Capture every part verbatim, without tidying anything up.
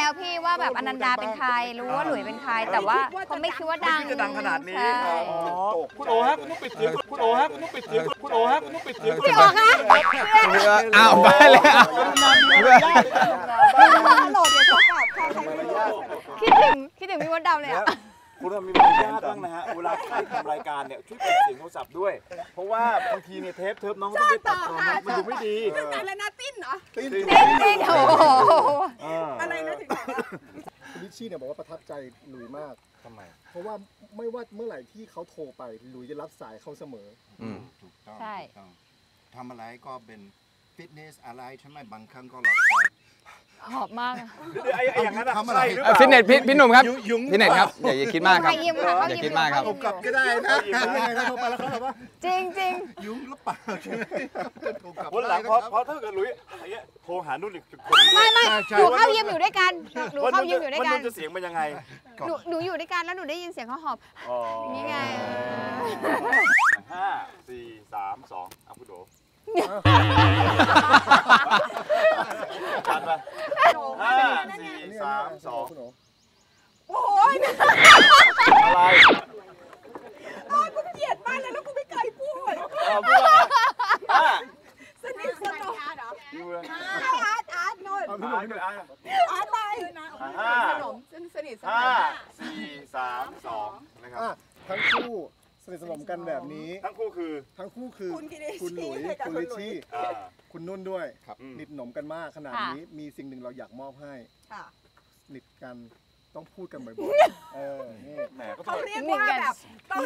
แล้วพี่ว่าแบบอนันดาเป็นใครรู้ว่าหลุยเป็นใครแต่ว่าเขาไม่คิดว่าดังจะดังขนาดนี้คุณโอฮะคุณต้องปิดเสียงคุณโอฮะคุณต้องปิดเสียงคุณโอฮะคุณต้องปิดเสียงพี่ออกนะอ้าวไปแล้วโหลดเดี๋ยวโทรกลับค่ะใครไม่รู้คิดถึงคิดถึงพี่มดดำเลยอะคุณมีมารยาทบ้างนะฮะเวลาใครทำรายการเนี่ยช่วยปิดเสียงโทรศัพท์ด้วยเพราะว่าบางทีเนี่ยเทปเทปน้องต้องไปตัดต่อมันดูไม่ดีตั้งแต่แล้วนะติ้นเหรอติ้นจริงๆโอ้โหอะไรนะถึงคุณลิชชี่เนี่ยบอกว่าประทับใจหลุยมากทำไมเพราะว่าไม่ว่าเมื่อไหร่ที่เขาโทรไปหลุยจะรับสายเขาเสมอถูกต้องใช่ทำอะไรก็เป็นฟิตเนสอะไรใช่ไหมบางครั้งก็รับสายหอบมากไอ้อย่างนั้นทำอะไรหรือเปล่าฟิตเนสพี่หนุ่มครับฟิตเนสครับอย่าอย่าคิดมากครับอย่าคิดมากครับกลับก็ได้นะยังไงนะโทรไปแล้วเขาแบบว่าจริงจริงยุ่งหรือเปล่าใช่ไหมวันหลังเพราะเพราะถ้าเกิดลุยอย่างเงี้ยโทรหานุ่นอีกคนไม่ไม่หนูเข้ายิมอยู่ด้วยกันหนูเข้ายิมอยู่ด้วยกันจะเสียงเป็นยังไงหนูหนูอยู่ด้วยกันแล้วหนูได้ยินเสียงเขาหอบนี่ไงห้าสี่สามสองเอาพุทโธกันไปห้าสี่สามสองโอ้ยอะไรอ๋อกูเกลียดมากเลยแล้วกูไม่เคยพูดสนิทสนมอาร์ตอาร์ตอาร์ตโน่นอาร์ตอาร์ตอะไรห้าสนมสนิทสนมห้าสี่สามสองนะครับทั้งคู่สนิทสนมกันแบบนี้ทั้งคู่คือทั้งคู่คือคุณหลุยคุณลิชชี่คุณนุ่นด้วยสนิทสนมกันมากขนาดนี้มีสิ่งหนึ่งเราอยากมอบให้สนิทกันต้องพูดกันบ่อยๆเออนี่แหมก็เขาเรียกว่าแบบต้อง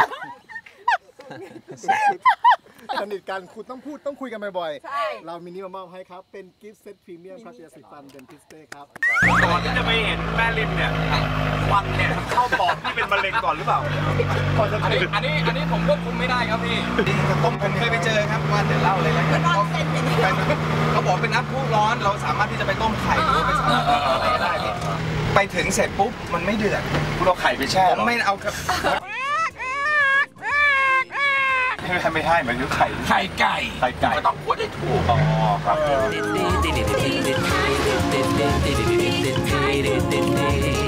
สนิทกันคุณต้องพูดต้องคุยกันบ่อยๆเรามินิมามอบให้ครับเป็นกิฟต์เซตพรีเมียมครับยาสีฟันเดนทิสเต้ครับก่อนที่จะไปเห็นแม่ริมเนี่ยวันเนี่ยเข้าปอดที่เป็นมะเร็งก่อนหรือเปล่าอันนี้อันนี้อันนี้ผมควบคุมไม่ได้ครับพี่ผมผมเคยไปเจอครับว่าเดี๋ยวเล่าเลยแล้วกันเขาบอกเป็นน้ำพุร้อนเราสามารถที่จะไปต้มไข่หรือไปสามารถอะไรก็ได้ไปถึงเสร็จปุ๊บมันไม่เดือดคุณเอาไข่ไปแช่หรอไม่เอาครับไม่ไม่ให้หมายถึงไข่ไข่ไก่ไข่ไก่ก็ต้องพูดให้ถูกอ๋อครับ